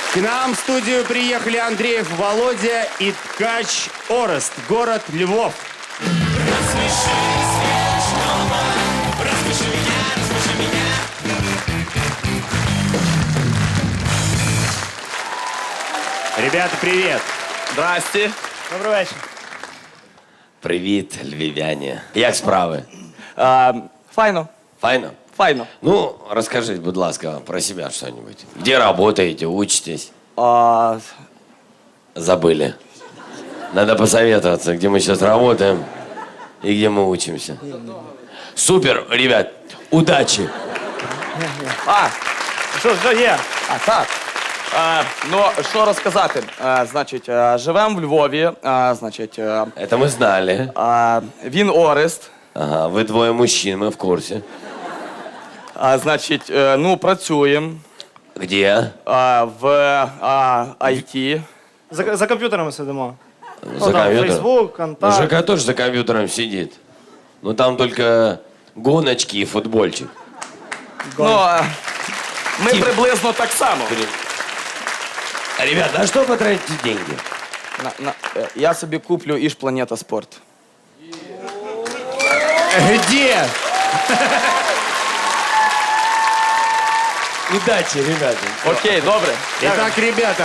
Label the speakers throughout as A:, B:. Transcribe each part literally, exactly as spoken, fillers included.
A: К нам в студию приехали Андреев Володя и ткач Орест, город Львов.
B: Рассмеши смешного, рассмеши меня, рассмеши меня.
A: Ребята, привет.
C: Здрасте.
D: Добрий вечір.
C: Привіт, львів'яні. Як справи?
D: А, файно.
C: Файно?
D: Файно.
C: Ну, расскажите, будь ласка, про себя что-нибудь. Где работаете, учитесь?
D: А,
C: Забыли. Надо посоветоваться, где мы сейчас работаем и где мы учимся. Супер, ребят, удачи.
D: а що, що є? А, так. А, ну, що розказати? А, значить, а, живемо в Львові, а, значить, а,
C: Это мы знали.
D: а, він Орест,
C: Ага, вы двое мужчин, мы в курсе.
D: а, значить, е, ну, працюємо
C: Где?
D: а, в а, ай ті.
E: За, за комп'ютерами сидимо.
C: За
E: Ну, там
C: компьютером?
E: Фейсбук,
C: Ну,
E: Контакт.
C: ЖК тоже за компьютером сидит. Ну, там только гоночки и футбольчик.
D: Ну, а, ми
C: Тіп.
D: приблизно так само.
C: Ребят, на что потратите деньги?
D: На, на, е, я собі куплю Іж Планета Спорт.
A: Где?
C: Удачи, ребята.
D: Окей, добре.
A: Итак, ребята.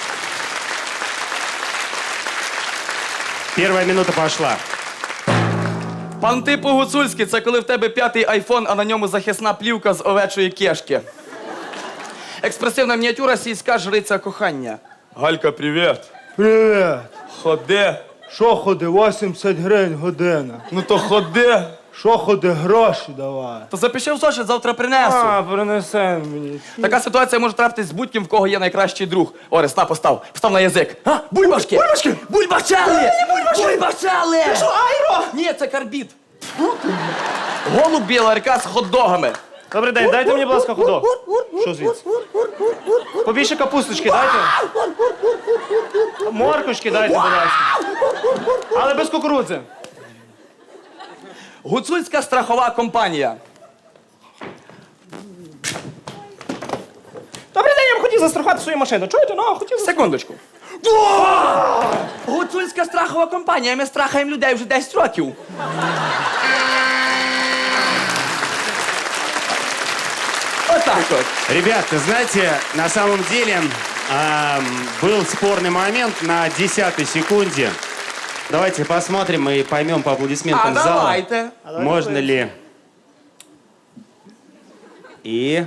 A: Первая минута пошла.
D: Пан Типу Гуцульський – це коли в тебе п'ятий айфон, а на ньому захисна плівка з овечої кешки. Експресивна мініатюра, сільська жриця кохання. Галька, привіт.
E: Привіт.
D: Ходи.
E: Що ходи? вісімдесят гривень година.
D: Ну то ходи.
E: Що ходи? Гроші давай.
D: То запиши в зошит, завтра принесу.
E: А, принесе мені.
D: Така ситуація може трапитись з будь-ким, в кого є найкращий друг. Орес, на, постав. Постав на язик. А, бульбашки. Бульбашки. Бульбашали. Бульбашали. Ти що, айро? Ні, це карбід. Голуб білорка з хот-догами.
E: Добрий день, дайте мені, будь ласка, ходок. Що звідси? Побільше капусточки дайте. Моркушки дайте, будь ласка. Але без кукурудзи.
D: Гуцульська страхова компанія.
E: Добрий день, я б хотів застрахувати свою машину. Чуєте? Ну, хотів
D: Секундочку. Гуцульська страхова компанія. Ми страхаємо людей вже десять років. Вот так вот.
A: Ребята, знаете, на самом деле эм, был спорный момент на десятой секунде. Давайте посмотрим и поймем по аплодисментам
D: А
A: зала,
D: давайте.
A: можно ли. И...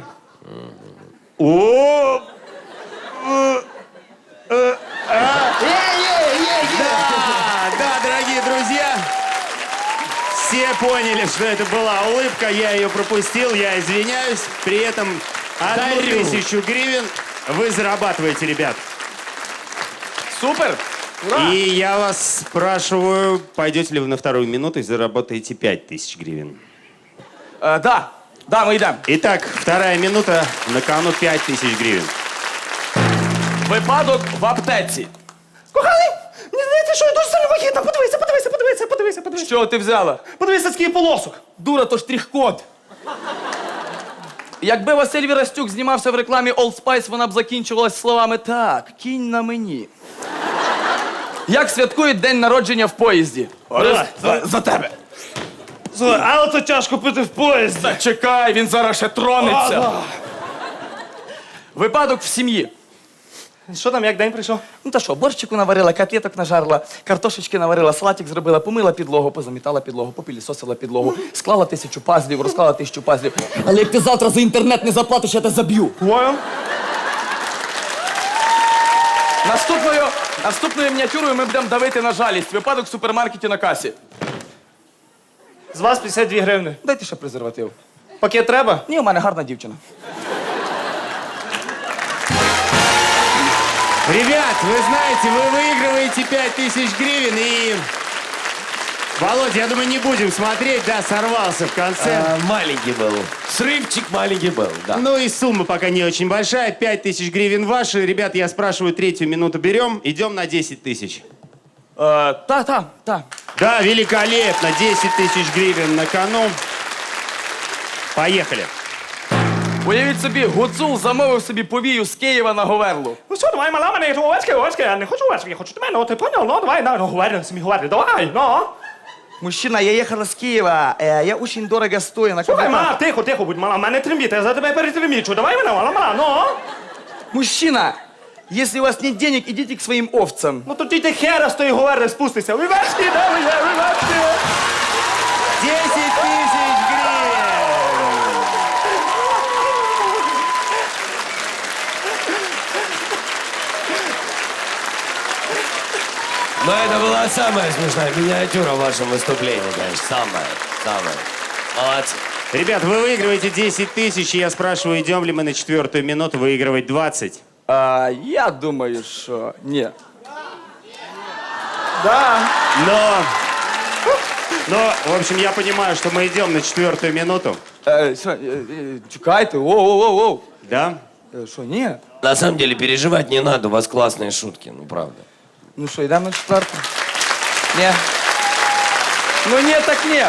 A: О! Да, да, дорогие друзья, все поняли, что это была улыбка, я ее пропустил, я извиняюсь. При этом одну тысячу гривен вы зарабатываете, ребят.
D: Супер.
A: И я вас спрашиваю, пойдете ли вы на вторую минуту и заработаете пять тысяч гривен?
D: Е, да, да, ми йдемо.
A: Итак, вторая минута, на кону пять тысяч гривен.
D: Випадок в аптеці.
E: Коханий, мені здається, що я дуже сильно вагітна. Подивися, подивися, подивися, подивися, подивися.
D: Що ти взяла?
E: Подивися, скільки полосок.
D: Дура, то штрих-код. Якби Василь Вірастюк знімався в рекламі Old Spice, вона б закінчувалась словами «Так, кінь на мені». Як святкують день народження в поїзді?
E: Давай,
D: за, за тебе.
E: Слухай, але це тяжко пити в поїзді.
D: Та чекай, він зараз ще тронеться. Випадок в сім'ї.
E: Що там, як день прийшов?
D: Ну та що, борщику наварила, котлеток нажарила, картошечки наварила, салатик зробила, помила підлогу, позамітала підлогу, попілісосила підлогу, склала тисячу пазлів, розклала тисячу пазлів. Але як ти завтра за інтернет не заплатиш, я тебе заб'ю.
E: Понял?
D: Наступною, наступною мініатюрою ми будемо давити на жалість. Випадок в супермаркеті на касі.
E: З вас п'ятдесят дві гривни.
D: Дайте ще презерватив.
E: Пакет треба?
D: Ні, у мене гарна дівчина.
A: Ребят, вы знаете, вы выигрываете пять тысяч гривен и... Володя, я думаю, не будем смотреть, да, сорвался в конце.
C: А, маленький был. Срывчик маленький был, да.
A: Ну и сумма пока не очень большая, пять тысяч гривен ваши. Ребят, я спрашиваю, третью минуту берем, идем на десять тысяч.
D: Е, та, та, та.
A: Да, великолепно, десять тысяч гривен на кону. Поехали.
D: Уявіть собі, Гуцул замовив собі повію з Києва на Говерлу.
E: Ну що, давай, мала мене, то овечки, овечки, я не хочу овечки, я хочу тебе, ну, ти понял, ну, давай, ну, говори, самі говори, давай, ну.
D: Мужчина, я ехала с Киева, э, я очень дорого стою на
E: Слухай,
D: каблуках.
E: мала, тихо, тихо, будь, мала, мене трембіти, я за тебе перетрембічу, давай мене, мала, мала, ну.
D: Мужчина, если у вас нет денег, идите к своим овцам.
E: Ну, тоді ти хера з тої говори спустися, овечки, давай, овечки.
A: десять тысяч гривен!
C: Но это была самая смешная миниатюра в вашем выступлении, конечно. Самая, самая. Молодцы.
A: Ребят, вы выигрываете десять тысяч, и я спрашиваю, идем ли мы на четвертую минуту выигрывать двадцать?
D: А, я думаю, что нет.
E: Да.
A: Но... Но, в общем, я понимаю, что мы идем на четвертую минуту.
D: Э, що, э, э, чекайте, воу-воу-воу.
A: Да?
D: Э, Що, ні?
C: На самом деле переживать не надо, у вас классные шутки, ну правда.
D: Ну що, йдемо на четверту? Ні. Ну ні, так ні.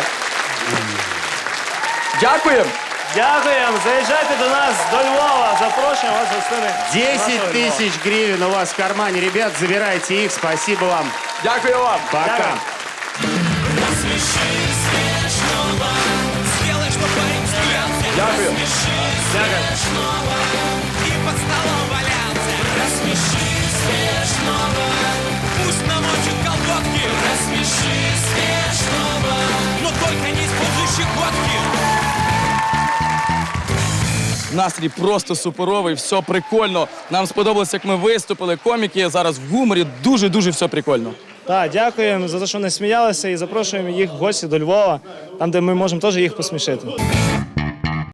D: Дякуємо.
E: Дякуємо, заїжджайте до нас до Львова, запрошуємо вас в гостини.
A: десять
E: нашого Львова.
A: тысяч гривен у вас в кармане. Ребят, забирайте их. Спасибо вам.
D: Дякую вам.
A: Пока.
E: Дякую.
B: Рассмеши смешного, сделай, чтоб парень смеялся.
D: Дякую.
B: Рассмеши смешного и под столом валяться. Рассмеши смешного, пусть намочит колготки. Рассмеши смешного, но только не используй щекотки.
D: Настрій просто суперовий, все прикольно. Нам сподобалось, як ми виступили. Коміки зараз в гуморі. Дуже-дуже все прикольно.
E: Так, дякуємо за те, що вони сміялися, і запрошуємо їх в гості до Львова, там, де ми можемо теж їх посмішити.